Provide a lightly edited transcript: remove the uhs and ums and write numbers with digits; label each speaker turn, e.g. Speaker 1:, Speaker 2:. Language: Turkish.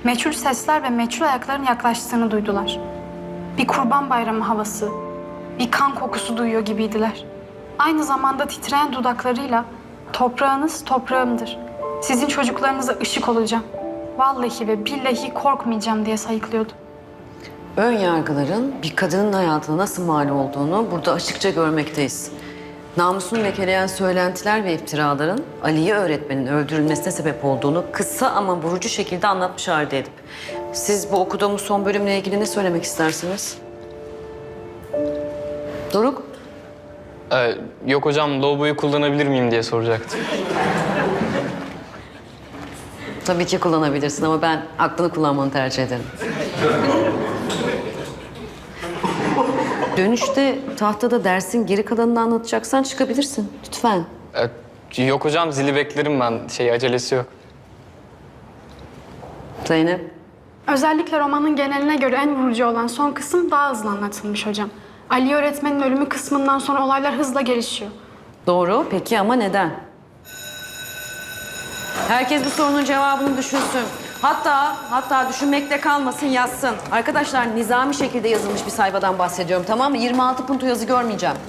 Speaker 1: Meçhul sesler ve meçhul ayakların yaklaştığını duydular. Bir kurban bayramı havası, bir kan kokusu duyuyor gibiydiler. Aynı zamanda titreyen dudaklarıyla toprağınız toprağımdır. Sizin çocuklarınıza ışık olacağım. Vallahi ve billahi korkmayacağım diye sayıklıyordu.
Speaker 2: Ön yargıların bir kadının hayatına nasıl mal olduğunu burada açıkça görmekteyiz. Namusunu lekeleyen söylentiler ve iftiraların Aliye öğretmenin öldürülmesine sebep olduğunu kısa ama vurucu şekilde anlatmış Halide Edip. Siz bu okuduğumuz son bölümle ilgili ne söylemek istersiniz? Doruk?
Speaker 3: Yok hocam, lavaboyu kullanabilir miyim diye soracaktım.
Speaker 2: Tabii ki kullanabilirsin ama ben aklını kullanmanı tercih ederim. Dönüşte tahtada dersin geri kalanını anlatacaksan çıkabilirsin. Lütfen.
Speaker 3: Yok hocam, zili beklerim ben. Acelesi yok.
Speaker 2: Zeynep.
Speaker 1: Özellikle romanın geneline göre en vurucu olan son kısım daha hızlı anlatılmış hocam. Ali öğretmenin ölümü kısmından sonra olaylar hızla gelişiyor.
Speaker 2: Doğru. Peki ama neden? Herkes bu sorunun cevabını düşünsün. Hatta düşünmekte kalmasın, yazsın. Arkadaşlar nizami şekilde yazılmış bir sayfadan bahsediyorum, tamam mı? 26 puntu yazı görmeyeceğim.